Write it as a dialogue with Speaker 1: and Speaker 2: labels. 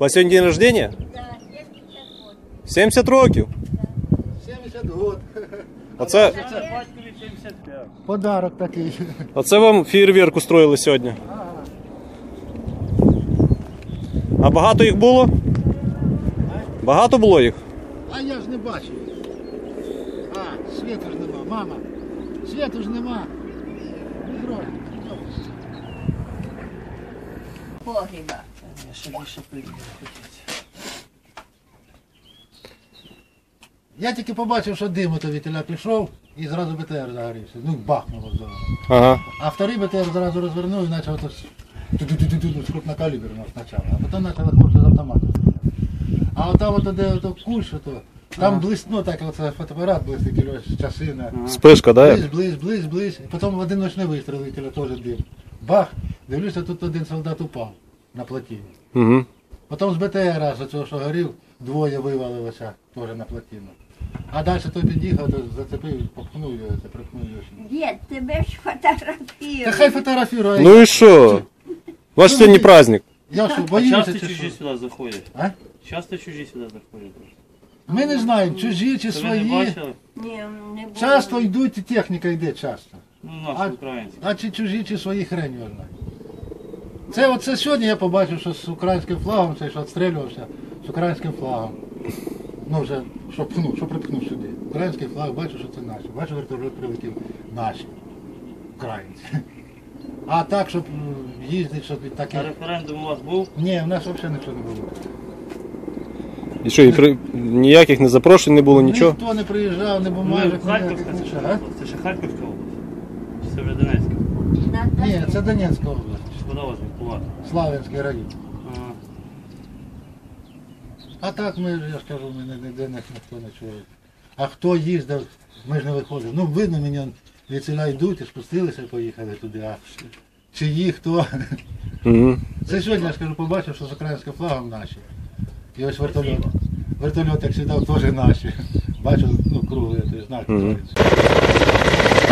Speaker 1: вас сьогодні день рождения?
Speaker 2: Да,
Speaker 1: 70 років?
Speaker 3: 70 год.
Speaker 1: Оце,
Speaker 3: Подарок такий.
Speaker 1: оце вам фейерверк устроїли сьогодні. А багато їх було? Багато було їх?
Speaker 3: А я ж не бачив. А, світу ж нема, мама. Світу ж нема.
Speaker 2: Погріба.
Speaker 3: Я тільки побачив, що дим ото вітеля пішов і зразу БТР загорівся. Ну, бахнуло зразу.
Speaker 1: Ага.
Speaker 3: А вторий БТР зразу розвернув і почав крупнокаліберно спочатку. А потім почали хлопці з автомату. А от там от де ото кущ, ото, там блисну, так оце фотоапарат блистить, часина.
Speaker 1: Спишка, да?
Speaker 3: Близь. І потім в один ночний вистріл вітеля теж дим. Бах! Дивлюся, тут один солдат упав на плотині.
Speaker 1: Угу.
Speaker 3: Потім з БТР, з цього, що горів, двоє вивалилося теж на плотину. А далі той під'їхав, то зацепив, попхнув його, це припхнув його.
Speaker 2: Дід, тебе ж фотографірують.
Speaker 3: Та хай фотографірує.
Speaker 1: Ну і що? Ваш сьогодні праздник.
Speaker 3: Я що,
Speaker 4: А
Speaker 3: боюся
Speaker 4: часто
Speaker 3: чи
Speaker 4: чужі
Speaker 3: що?
Speaker 4: сюди заходять?
Speaker 3: А?
Speaker 4: Часто чужі сюди заходять?
Speaker 3: Ми не знаємо, чужі чи
Speaker 4: Це ви не
Speaker 3: свої.
Speaker 4: бачили?
Speaker 2: Ні, не було.
Speaker 3: Часто йдуть, і техніка йде часто.
Speaker 4: Ну,
Speaker 3: А,
Speaker 4: наші українці.
Speaker 3: а чи чужі, чи свої хрень його знає. Це сьогодні я побачив, що з українським флагом, цей, що відстрілювався, з українським флагом. Ну вже, що припхнув сюди. Український флаг, бачу, що це наші. Бачу, вертольот прилетів наші. Українці. А так, щоб їздити, щоб таке.
Speaker 4: А референдум у вас був?
Speaker 3: Ні, в нас взагалі нічого не було.
Speaker 1: І що, ніяких не запрошень не було, нічого?
Speaker 3: Ніхто не приїжджав, не
Speaker 4: Ну,
Speaker 3: бумажок,
Speaker 4: Харківська
Speaker 3: ніяких,
Speaker 4: це
Speaker 3: нічого.
Speaker 4: що?
Speaker 3: А?
Speaker 4: Це ще Харківська область? Чи це вже Донецька?
Speaker 3: Ні, це Донецька область.
Speaker 4: Куди вас відбувати?
Speaker 3: Славянський район.
Speaker 4: Ага.
Speaker 3: А так ми, я ж кажу, ми ніде ніхто не чує. А хто їздив, ми ж не виходили. Ну, видно, мені від селя йдуть і спустилися і поїхали туди. А чиї, хто?
Speaker 1: Угу.
Speaker 3: Це сьогодні, я ж кажу, побачив, що з українським флагом наші. І ось вертольот. Вертольот, як сідав, теж наші. Бачу, ну, круглий, знак.
Speaker 1: Мгм.
Speaker 3: твориться.